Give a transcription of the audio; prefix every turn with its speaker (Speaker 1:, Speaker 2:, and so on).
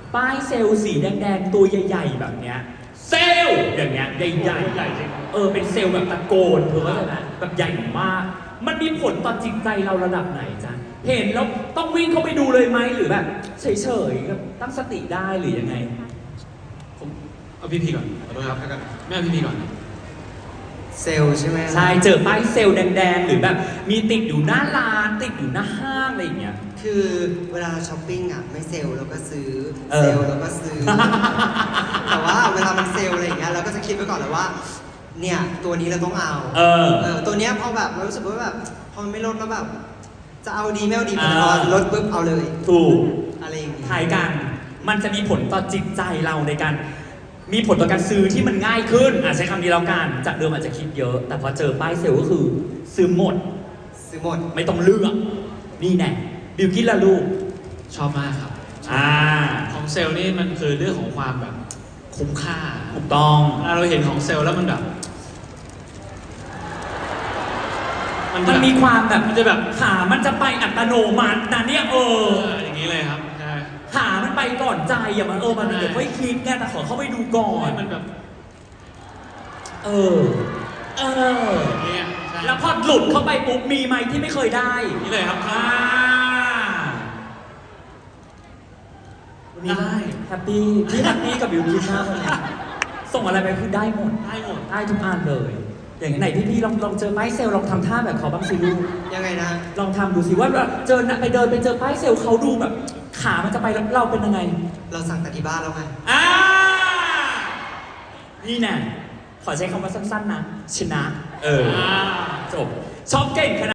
Speaker 1: ป้ายเซลล์สีแดงๆตัวใหญ่ๆแบบเนี้ยเซลล์อย่างเงี้ยใหญ่ๆเป็นเซลล์แบบตะโกนเธอเข้าใจไหมแบบใหญ่มากมันมีผลต่อจิตใจเราระดับไหนจ๊ะเห็นแล้วต้องวิ่งเข้าไปดูเลยไหมหรือแบบเฉยๆแบบตั้งสติได้หรือยังไง
Speaker 2: ผมเอาพี่ก่อนขอโทษครับไม่เอาพี่ก่อน
Speaker 3: เซลล์ใช่ไหม
Speaker 1: ใช่เจอป้ายเซลล์แดงๆหรือแบบมีติดอยู่หน้าร้านติดอยู่หน้าห้างอะไรอย่างเงี้ย
Speaker 3: คือเวลาเราช้อปปิ้งอ่ะไม่เซลล์เราก็ซื้อเซลล์เราก็ซื้อ แต่ว่าเวลามันเซลล์อะไรอย่างเงี้ยเราก็จะคิดไว้ก่อนเลยว่าเนี่ยตัวนี้เราต้องเอาตัวเนี้ยพอแบบเรารู้สึกว่าแบบพอมันไม่ลดแล้วแบบจะเอาดีไม่เอาดีพอลดปุ๊บเอาเลย
Speaker 1: ถูก
Speaker 3: อะไรอย่างเงี้ย
Speaker 1: ถ่ายกันมันจะมีผลต่อจิตใจเราในการมีผลต่อการซื้อที่มันง่ายขึ้นใช้คำนี้แล้วกันจากเดิมอาจจะคิดเยอะแต่พอเจอป้ายเซลล์ก็คือซื้อหมดไม่ต้องเลือกนี่แน่บิวกิ้นละลูก
Speaker 2: ชอบมากครับของเซลล์นี่มันคือเรื่องของความแบบคุ้มค่า
Speaker 1: ถูกต้อง
Speaker 2: เราเห็นของเซลล์แล้วมันแบบ
Speaker 1: มันมีความแบบมันจะแบบขามันจะไปอัตโนมัตินะเนี่ย
Speaker 2: อย่างนี้เลยครับใช่
Speaker 1: ขามันไปก่อนใจอย่ามันมันเดี๋ยวค่อยคิดแกแต่ขอเข้าไปดูก่อน
Speaker 2: มันแบบ
Speaker 1: เนี่ยแล้วพอหลุดเข้าไปปุ๊บมีไหมที่ไม่เคยได้
Speaker 2: นี่เลยครับ
Speaker 1: ได้แฮปปี้พี่แฮปปี้กับบิวกิ้นมากเลยส่งอะไรไปคือได้หมดได้ทุกอันเลยอย่างไหนพี่ลองเจอป้ายเซลล์ลองทำท่าแบบเขาบ้างสิลูก
Speaker 3: ยังไงนะ
Speaker 1: ลองทำดูสิว่าเจอไปเดินไปเจอป้ายเซลล์เขาดูแบบขามันจะไปแล้วเราเป็นยังไง
Speaker 3: เราสั่งแต่ที่บ้านแล้วไง
Speaker 1: นี่แน่ขอใช้คำว่าสั้นๆนะชนะจบชอบเก่งขนาด